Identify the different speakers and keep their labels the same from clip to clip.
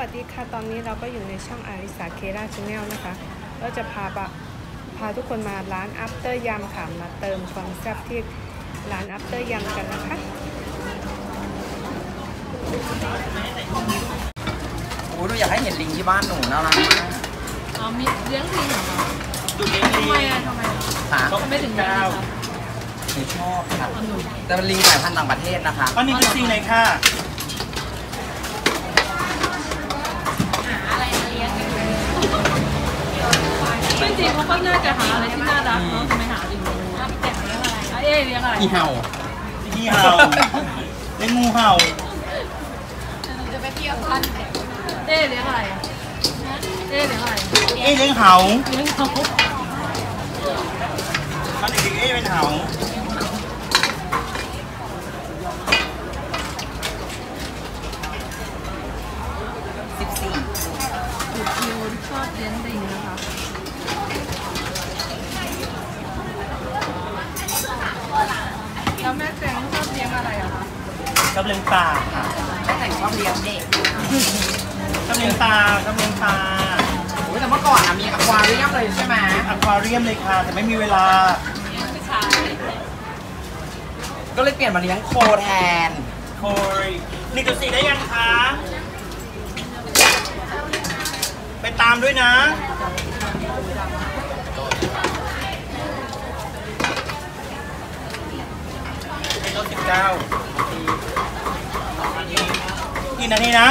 Speaker 1: วัสดีค่ะตอนนี้เราก็อยู่ในช่องอาริสาเคราชาแนลนะคะเราจะพาทุกคนมาร้านอัปเตอร์ยำค่ะมาเติมความแซ่บที่ร้านอัปเตอร์ยำกันนะคะ
Speaker 2: โอ้ยหนูอยากให้เห็นลิงที่บ้านหนูน่ารักมาก
Speaker 3: อ๋อมีเลี้ยงลิงเหรอ
Speaker 4: ดูเลี้ยงลิง
Speaker 3: ทำไม
Speaker 4: ไม่ถึงเก้า
Speaker 2: หนูชอบค่ะแต่เป็นลิงสายพันธุ์ต่างประเทศนะคะ
Speaker 4: อันนี้คือลิงไหนค่ะ
Speaker 3: จริงๆเขาก็น่าจะหาอะไรที่น่ารักเนาะทำไมหาลิงเอ๊ะเลี้ยงอะไร
Speaker 2: อีเห่า
Speaker 4: เลี้ยงงูเห่า
Speaker 3: จะไปเที่ยวกันเอ๊ะเลี้ยงอะไรเอ๊ะเลี้ยงอะไร
Speaker 4: เลี้ยงเห่า
Speaker 3: เลี้ยงเขา
Speaker 4: ตอนเด็กๆเป็นเห่า
Speaker 3: คิวชอบเลี้ยงลิงนะคะแล้วแม่แตงชอบเลี้ยงอะไรอะคะ
Speaker 4: ชอบเลี้ยงปลาค่ะ
Speaker 2: แม่แต่งชอบเลี้ยงเด็ก
Speaker 4: ชอบเลี้ยงปลา
Speaker 2: แต่เมื่อก่อนมีอควาเรียมเลยใช่ไหม
Speaker 4: อควาเรียมเลยค่ะแต่ไม่มีเวลา
Speaker 2: ก็เลยเปลี่ยนมาเลี้ยงโคแทน
Speaker 4: โคย1.4ได้ยังคะไปตามด้วยนะ19กี่นาทีนะ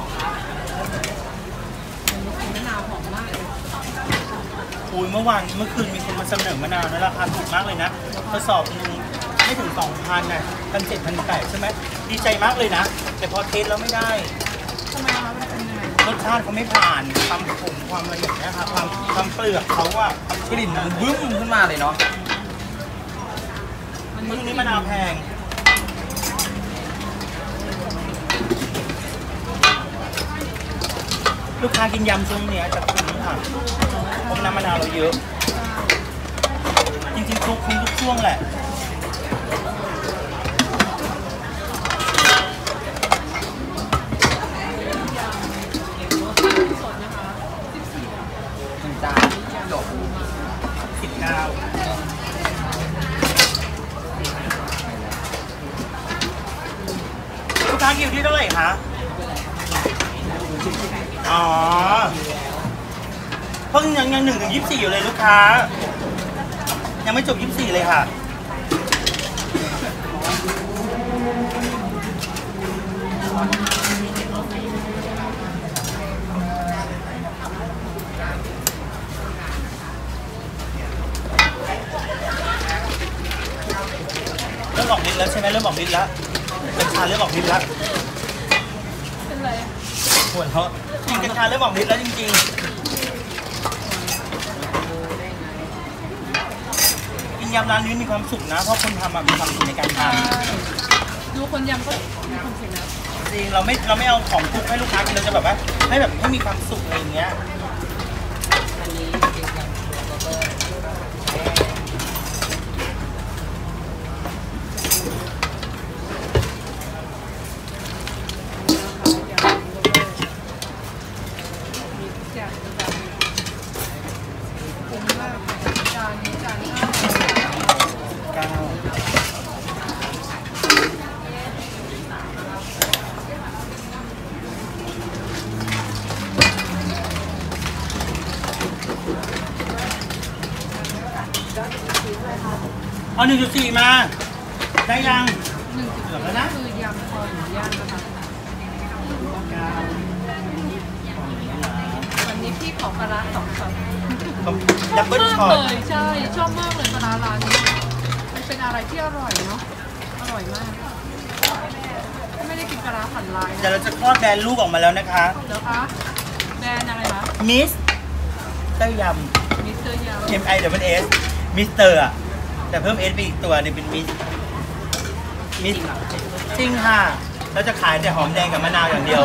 Speaker 4: อุ้ยเมื่อคืนมีคนมาเสนอมะนาวนะราคาถูกมากเลยนะกระสอบนึงไม่ถึง 2,000 นะ1,700 1,800ใช่ไหมดีใจมากเลยนะแต่พอเทสแล้วไม่ได้
Speaker 3: ทำไมคะมันเป็นยังไง
Speaker 4: รสชาติเขาไม่ผ่านความขมความอะไรอย่างเงี้ยครับความเปลือกเขาอะกลิ่นมันบึ้มขึ้นมาเลยเนาะช่วงนี้มะนาวแพงลูกค้ากินยำช่วงนี้จะคุ้มค่ะเพราะน้ำมะนาวเราเยอะจริงๆคุ้มทุกช่วงแหละลูกค้าคิวที่เท่าไหร่คะอ๋อเพิ่งยัง1 ถึง 24อยู่เลยลูกค้ายังไม่จบ24เลยค่ะเริ่มออกฤทธิ์แล้วใช่ไหมเริ่มออกฤทธิ์แล้วกัญชาเริ่มออกฤทธิ์แล้ว
Speaker 3: เป็นไร
Speaker 4: ปวดเพราะกินกัญชาเริ่มออกฤทธิ์แล้วจริงๆกินยำร้านนี้มีความสุขนะเพราะคนทำมีความสุขในการท
Speaker 3: ำดูคนยำก็มีความสุขนะ
Speaker 4: จริงเราไม่เอาของทุกให้ลูกค้ากินเราจะแบบว่าให้มีความสุขอะไรอย่างเงี้ยเอา1.4มาได้ยัง
Speaker 3: 1.4แล้วนะคือยำคอหมูย่างนะคะวันนี้พี่ขอปลาร้า2 ช็อต
Speaker 4: ดับเบิ้ลช็อต
Speaker 3: เลยใช่ชอบมากเลยปลาร้าร้านนี้มันเป็นอะไรที่อร่อยเนาะอร่อยมากไม่ได้กินปลาร้าผัดลาย
Speaker 4: เดี๋ยวเราจะคลอดแบรนด์ลูกออกมาแล้วนะคะ
Speaker 3: เดี๋ยวคะแบรนด์อะไรคะ
Speaker 4: มิสเตอร์ยำ
Speaker 3: มิสเตอร์ยำ
Speaker 4: MISS มิสเตอร์อะแต่เพิ่ม S ไปอีกตัวนึงเป็นมิสจริงค่ะเราจะขายแต่หอมแดงกับมะนาวอย่างเดียว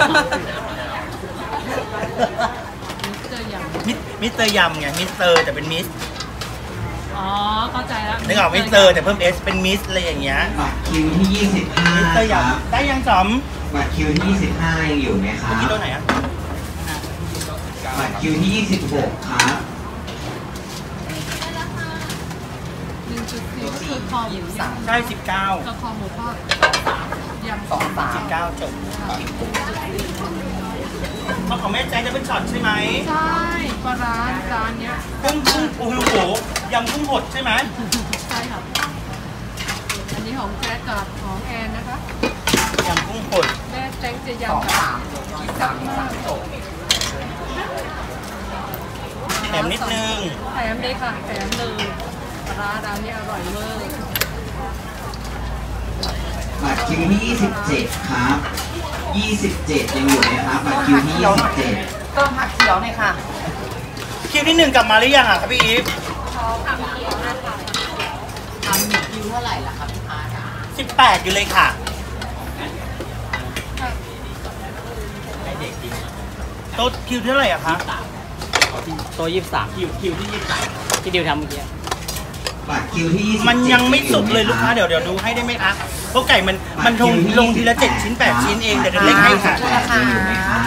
Speaker 4: มิสเตอร์ยำไงมิสเตอร์แต่เป็นมิส
Speaker 3: อ๋อเข้าใจแล้ว
Speaker 4: นึกออกมิสเตอร์แต่เพิ่ม S เป็นมิสอะไรอย่างเงี้ย
Speaker 5: บัตรคิวที่25
Speaker 4: มิสเตอร์ยำได้ยังจอม
Speaker 5: บัตรคิวที่25ยังอยู่ไหมครับ
Speaker 4: ที่ตัวไหนอ่ะ
Speaker 5: บัตรคิวที่ 26 ครับ
Speaker 3: 1.4 ก็คือคอหมูยำ
Speaker 4: ใช่19
Speaker 3: กับคอหมูทอดยำ
Speaker 2: 23
Speaker 4: 19จบเพราะของแม่แจ๊คจะเป็นช็อตใช่ไหม
Speaker 3: ใช่ปลาร้าจานเนี้ย
Speaker 4: กุ้งโอ้โหยำกุ้งหดใช่ไหม
Speaker 3: ใช่ค่ะอันนี้ของแจ๊คกับของแอนนะคะ
Speaker 4: ยำกุ้งหด
Speaker 3: แม่แจ๊คจะยำแบบจับมาก
Speaker 4: แถมนิดนึง
Speaker 3: แถมเลยค่ะแถมเลยปลาร้าร้านนี้อร่อยเวอร์
Speaker 5: บัตรคิวที่ 27 ครับ 27 ยังอยู่ไหมครับ บัตรคิวที่ 27
Speaker 2: เติมผักเขียวหน่อยค่ะ
Speaker 4: คิวที่1กลับมาหรือยังอ่ะครับพี่อีฟ
Speaker 2: ทำ1คิวเท่าไหร่ล่ะครับพี่พาร์ท
Speaker 4: 18อยู่เลยค่ะให้เด็กกินโต๊ะคิวเท่าไหร่อะคะ
Speaker 2: ตัว23คิวที่23ที่ดิวทำเมื่อกี้
Speaker 5: บัตรคิวที่ 27
Speaker 4: มันยังไม่สุกเลยลูกค้าเดี๋ยวดูให้ได้ไหมคะเพราะไก่มันลงทีละ7 ชิ้น 8 ชิ้นเองเดี๋ยวเล็กให้ค่ะ
Speaker 5: ยังอยู่ไหมครับ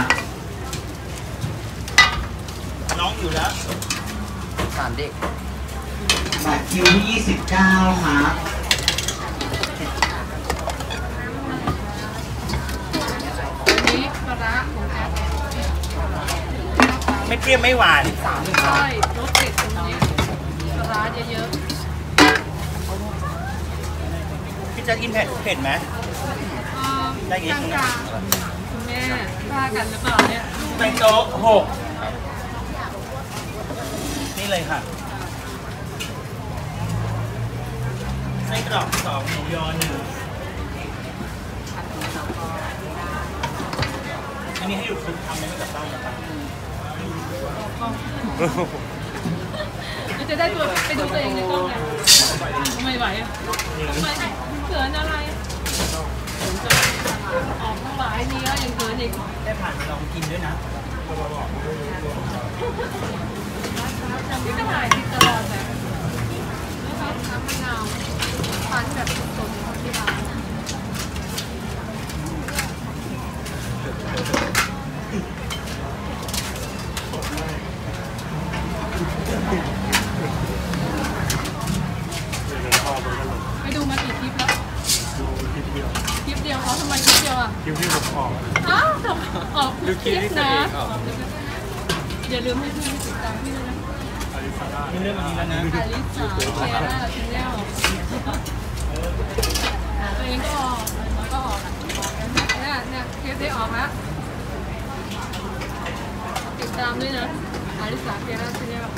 Speaker 4: น้องอยู่แล้ว
Speaker 2: 3 เด็ก
Speaker 5: บัตรคิวที่ 29 ครับ
Speaker 3: อันนี้ปลาร้าของแอป
Speaker 4: ไม่เปรี้ยวไม่หวาน
Speaker 3: ใช่รสเด็ดตรงนี้ปลาร้าเยอะ
Speaker 4: พี่จะกินเผ็ดไหม
Speaker 3: ๆ
Speaker 4: ได้อีกนิดนึงนะ
Speaker 3: กลางๆคุณแม่ว่ากันหรือเปล่าเนี่ย
Speaker 4: ในโต๊ะ6นี่เลยค่ะไส้กรอก2หมูยอ1อันนี้ให้อยู่คุณทำไม่กับบ้านนะครับ
Speaker 3: จะได้ตัวไปดูตัวเองในกล้องไงไม่ไหวอ่ะทำไมเขินอะไรออกทั้งหลายนี้ก็ยังเขินอีก
Speaker 4: ได้ผ่านไปลองกินด้วยนะ
Speaker 3: พี่ก็ถ่ายติดตลอดแบบนะคะน้ำมะนาวปั่นแบบสดๆที่ร้านไปดูมากี่คลิปแล้วคลิปเดียวเขาทำไมคลิปเดียวอ่ะ
Speaker 6: คิวที่ผมออก
Speaker 3: อ้าวทำออกทุกคลิปนะอย่าลืมให้พี่ติดตามพี่ด้วยนะ
Speaker 4: มีเรื่องอันนี้แล้วนะ
Speaker 3: อลิสาแคร่าชาแนลตัวเองก็ออกแล้วก็ออกเนี่ยคลิปได้ออกแล้วติดตามด้วยนะอลิสาแคร่าชาแนล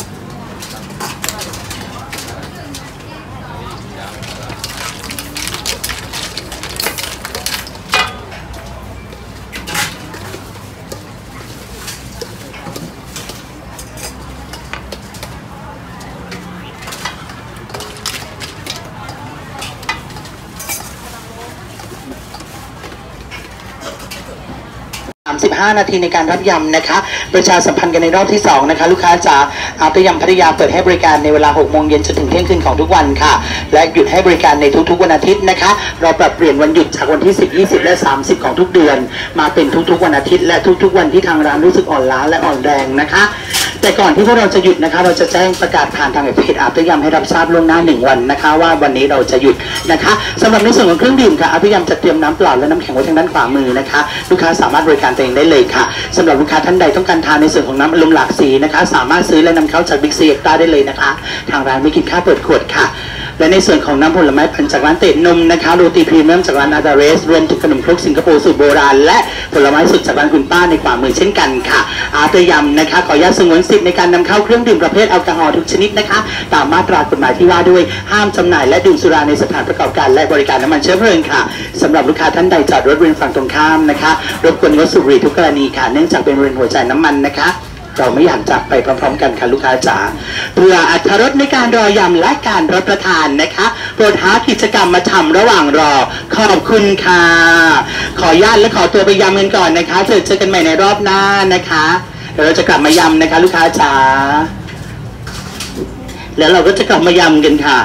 Speaker 7: 35 นาทีในการรับยำนะคะประชาสัมพันธ์กันในรอบที่2นะคะลูกค้าจ๋าอาบยำพัทยาเปิดให้บริการในเวลา 6 โมงเย็นจนถึงเที่ยงคืนของทุกวันค่ะและหยุดให้บริการในทุกๆวันอาทิตย์นะคะเราปรับเปลี่ยนวันหยุดจากวันที่10 20 และ 30 ของทุกเดือนมาเป็นทุกๆวันอาทิตย์และทุกๆวันที่ทางร้านรู้สึกอ่อนล้าและอ่อนแรงนะคะแต่ก่อนที่พวกเราจะหยุดนะคะเราจะแจ้งประกาศผ่านทางเพจอาบยำให้รับทราบล่วงหน้า1 วันนะคะว่าวันนี้เราจะหยุดนะคะสำหรับในส่วนของเครื่องดื่มค่ะอาบยำจะเตรียมน้ำเปล่าและน้ำแข็งไว้ทางด้านขวามือนะคะลูกค้าสามารถบริการตัวเองได้เลยค่ะสำหรับลูกค้าท่านใดต้องการทานในส่วนของน้ำอารมณ์หลากสีนะคะสามารถซื้อและนำเข้าจากบิ๊กซีเอ็กซ์ต้าได้เลยนะคะทางร้านไม่คิดค่าเปิดขวดค่ะและในส่วนของน้ำผลไม้ปั่นจากร้านเตะนมนะคะโรตีพรีเมียมจากร้านอาดาเรสรวมถึงขนมครกสิงคโปร์สูตรโบราณและผลไม้สดจากร้านคุณป้าในขวามือเช่นกันค่ะอาเตยำนะคะขออนุญาตสงวนสิทธิ์ในการนำเข้าเครื่องดื่มประเภทแอลกอฮอล์ทุกชนิดนะคะตามมาตรากฎหมายที่ว่าด้วยห้ามจำหน่ายและดื่มสุราในสถานประกอบการและบริการน้ำมันเชื้อเพลิงค่ะสำหรับลูกค้าท่านใดจอดรถบริเวณฝั่งตรงข้ามนะคะรบกวนงดสูบบุหรี่ทุกกรณีค่ะเนื่องจากเป็นบริเวณหัวใจน้ำมันนะคะเราไม่อยากจากไปพร้อมๆกันค่ะลูกค้าจ๋าเพื่ออรรถรสในการรอยำและการรับประทานนะคะโปรดหากิจกรรมมาทำระหว่างรอขอบคุณค่ะขออนุญาตและขอตัวไปยำกันก่อนนะคะเจอกันใหม่ในรอบหน้านะคะเดี๋ยวเราจะกลับมายำนะคะลูกค้าจ๋าแล้วเราก็จะกลับมายำกันค่ะ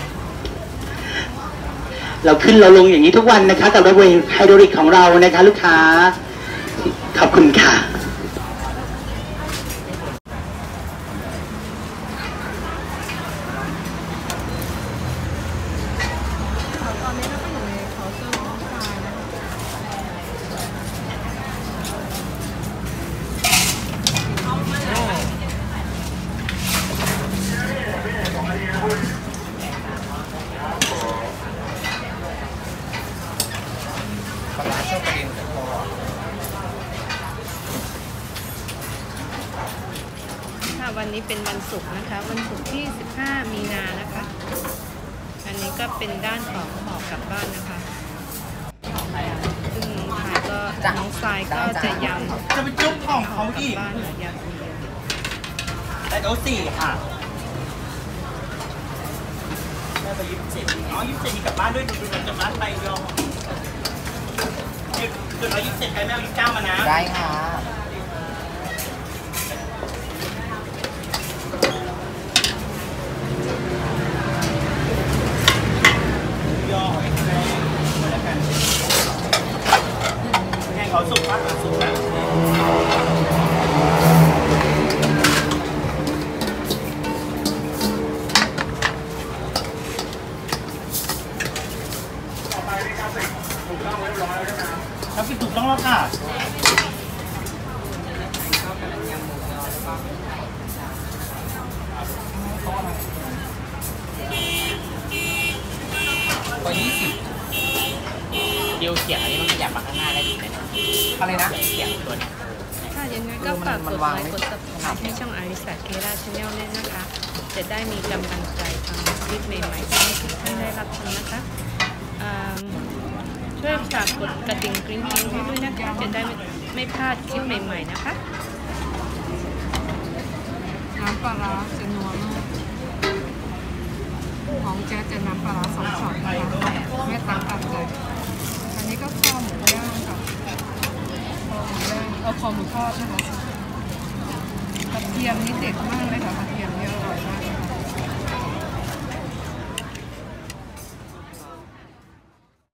Speaker 7: เราขึ้นเราลงอย่างนี้ทุกวันนะคะกับรถเวย์ไฮดรอลิกของเรานะคะลูกค้าขอบคุณค่ะ
Speaker 1: วันนี้เป็นวันศุกร์นะคะ วันศุกร์ที่ 15 มีนานะคะ อันนี้ก็เป็นด้านของห่อกลับบ้านนะคะซึ่งน้องทายก็น้องทรายก็จะยำ
Speaker 4: จะไปจุ๊บของเขา
Speaker 1: กลั
Speaker 4: อี
Speaker 1: บ
Speaker 4: ก
Speaker 1: บ้านค่ะยำคนเดียว
Speaker 4: แต่โต๊ะ4ค่ะได้ไป27อ๋อ27มีกลับบ้านด้วยดูกลับบ้านไปยองเดี๋ยวเรา27ใครไม่เอา29มานะ
Speaker 2: ได้ค่ะ
Speaker 4: ย่อให้แม่มาแล้วกันแห้งเขาสุกมากสุกนะแล้วปิดถูกต้องแล้วค่ะ
Speaker 2: กว่า20เดียวเสียงอันนี้มันขยับมาข้างหน้าได้ดีเลยนะอะไรนะเสียงตัวนี้
Speaker 1: ค่ะยังไงก็ฝากกดไลค์กด subscribe ให้ช่องอาริสาเคราชแนลเนี่ยนะคะ จะได้มีกำลังใจทำคลิปใหม่ๆให้ทุกท่านได้รับชมนะคะช่วยฝากกดกระดิ่งกริ๊งๆให้ด้วยนะคะ จะได้ไม่พลาดคลิปใหม่ๆนะคะ
Speaker 3: น้ำปลาร้าจะนัวมากของแจ๊จะน้ำปลาร้า2 ช็อตนะคะแม่ตังตามใจอันนี้ก็คอหมูย่างค่ะคอหมูย่างคอหมูทอดนะคะกระเทียมนี่เด็ดมาก